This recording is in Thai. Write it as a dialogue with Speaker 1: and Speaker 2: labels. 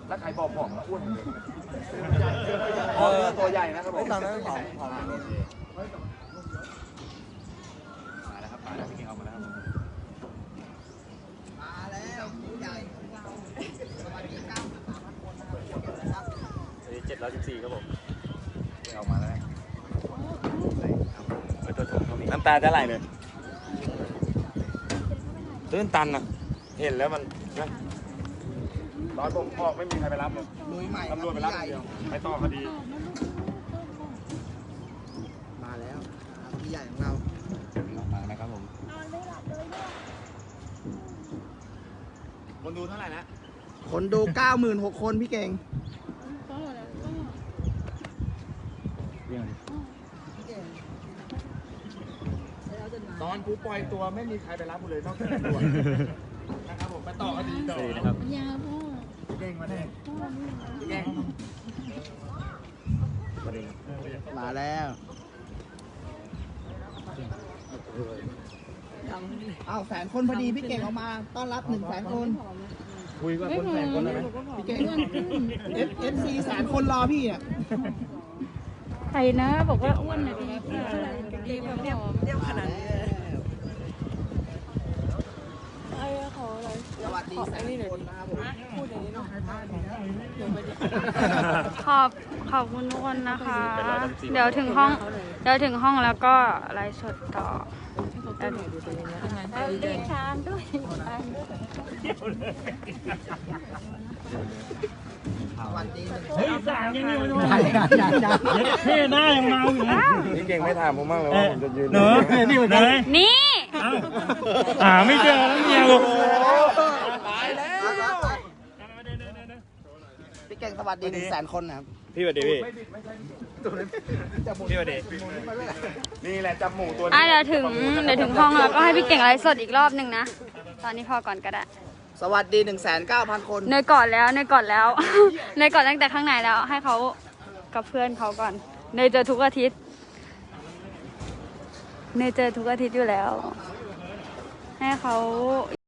Speaker 1: แล้วใครบอกอ้วนตัวใหญ่นะครับผมตอนนั้นผอมมาแล้วครับมาแล้วพี่เก่งเอามาแล้วครับมาแล้วผู้ใหญ่ของเราสวัสดีครับ714ครับผมเอามาแล้วน้ำตาจะไหลเลยตื้นตันอ่ะเห็นแล้วมันนะตอนผมออกไม่มีใครไปรับเลยตำรวจไปรับเดียวไปต่อคดีมาแล้วพี่ใหญ่ของเรามาแล้วครับผมคนดูเท่าไหร่นะคนดู 96,000 คนพี่เก่งตอนกูปล่อยตัวไม่มีใครไปรับกูเลยนอกจากตำรวจนะครับผมไปต่อคดีต่อนะครับยาพ่อเก่งมาแน่เก่งมาแล้วอ้าว100,000 คนพอดีพี่เก่งออกมาต้อนรับ100,000 คนคุยกับคน100,000 คนได้ไหมพี่เก่งFC 100,000 คนรอพี่อ่ะ
Speaker 2: ใครนะบอกว่าอ้วนนะพี่เรียบขนาดนี้ไอ้ขออะไร
Speaker 1: สวัสดี100,000 คนนะครับผมพูดอย่างนี้เนาะ
Speaker 2: ขอบคุณทุกคนนะคะ เดี๋ยวถึงห้องแล้วก็ไลฟ์สดต่อดีชานด้วย
Speaker 3: เฮ้ยสั่งยังไงวะเท่หน้ายังเมาอยู่นะ
Speaker 1: นี่เก่งไม่ถามผมบ้างเลยว่าผมจะยืน
Speaker 3: เนอะนี่เหมือนกัน
Speaker 2: นี่
Speaker 3: ไม่เจอแล้วเนี่ยลูก
Speaker 1: ตายแล้วพี่เก่งสวัสดี100,000 คนนะครับ
Speaker 3: พี่สวัสดีพี่พี่สวัสดี
Speaker 1: นี่แหละจับหมูตัวนี้
Speaker 2: เดี๋ยวถึงห้องแล้วก็ให้พี่เก่งไลฟ์สดอีกรอบนึงนะตอนนี้พอก่อนก็ได้
Speaker 1: สวัสดี 109,000 คน
Speaker 2: เนยก่อนแล้วเนยก่อนตั้งแต่ข้างในแล้วให้เขากับเพื่อนเขาก่อนเนยเจอทุกอาทิตย์อยู่แล้วให้เขา